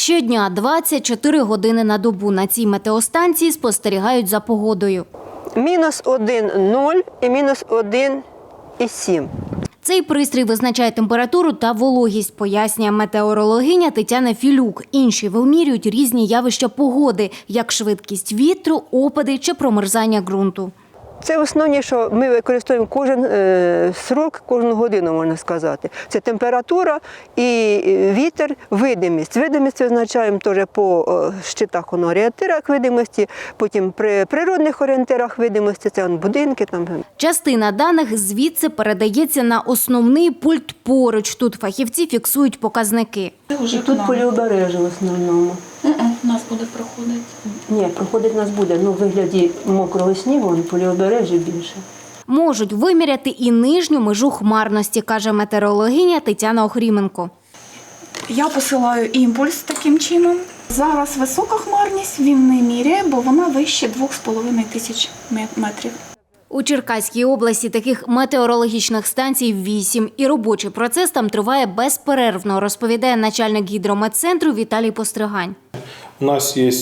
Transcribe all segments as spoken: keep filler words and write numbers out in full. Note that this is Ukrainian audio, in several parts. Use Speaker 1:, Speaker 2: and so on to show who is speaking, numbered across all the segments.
Speaker 1: Щодня двадцять чотири години на добу на цій метеостанції спостерігають за погодою.
Speaker 2: Мінус один нуль і мінус один і сім.
Speaker 1: Цей пристрій визначає температуру та вологість, пояснює метеорологиня Тетяна Філюк. Інші вимірюють різні явища погоди, як швидкість вітру, опади чи промерзання ґрунту.
Speaker 2: Це основні, що ми використовуємо кожен е, срок, кожну годину, можна сказати. Це температура і вітер, видимість. Видимість визначаємо теж по е, щитах, орієнтирах видимості, потім при природних орієнтирах видимості, це он, будинки. Там.
Speaker 1: Частина даних звідси передається на основний пульт поруч. Тут фахівці фіксують показники.
Speaker 2: І тут поліобережжя в основному.
Speaker 3: У нас буде проходити.
Speaker 2: Ні, проходить нас буде, ну, в вигляді мокрого снігу, поліобережжя більше.
Speaker 1: Можуть виміряти і нижню межу хмарності, каже метеорологиня Тетяна Охріменко.
Speaker 3: Я посилаю імпульс таким чином. Зараз висока хмарність, він не міряє, бо вона вище двох з половиною тисяч метрів.
Speaker 1: У Черкаській області таких метеорологічних станцій вісім, і робочий процес там триває безперервно, розповідає начальник гідрометцентру Віталій Постригань.
Speaker 4: У нас є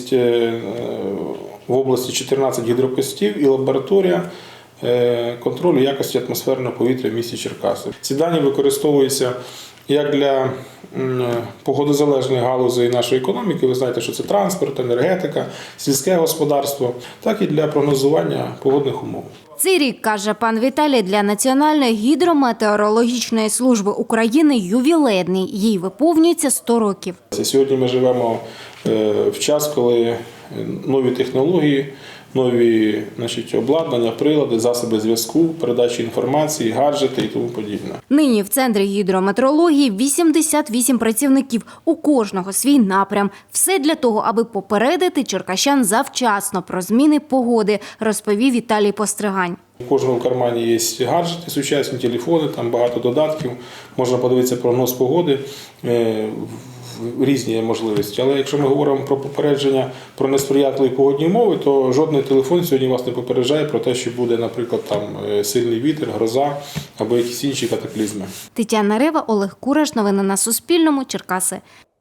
Speaker 4: в області чотирнадцять гідропостів і лабораторія контролю якості атмосферного повітря в місті Черкаси. Ці дані використовуються як для погодозалежної галузі нашої економіки, ви знаєте, що це транспорт, енергетика, сільське господарство, так і для прогнозування погодних умов.
Speaker 1: Цей рік, каже пан Віталій, для Національної гідрометеорологічної служби України ювілейний. Їй виповнюється сто років.
Speaker 4: Сьогодні ми живемо в час, коли нові технології, нові, значить, обладнання, прилади, засоби зв'язку, передачі інформації, гаджети і тому подібне.
Speaker 1: Нині в Центрі гідрометеорології вісімдесят вісім працівників, у кожного свій напрям. Все для того, аби попередити черкащан завчасно про зміни погоди, розповів Віталій Постригань.
Speaker 4: У кожного в кармані є гаджети, сучасні телефони, там багато додатків, можна подивитися прогноз погоди, різні можливості. Але якщо ми говоримо про попередження про несприятливі погодні умови, то жодний телефон сьогодні вас не попереджає про те, що буде, наприклад, там сильний вітер, гроза або якісь інші катаклізми.
Speaker 1: Тетяна Рева, Олег Кураш. Новини на Суспільному. Черкаси.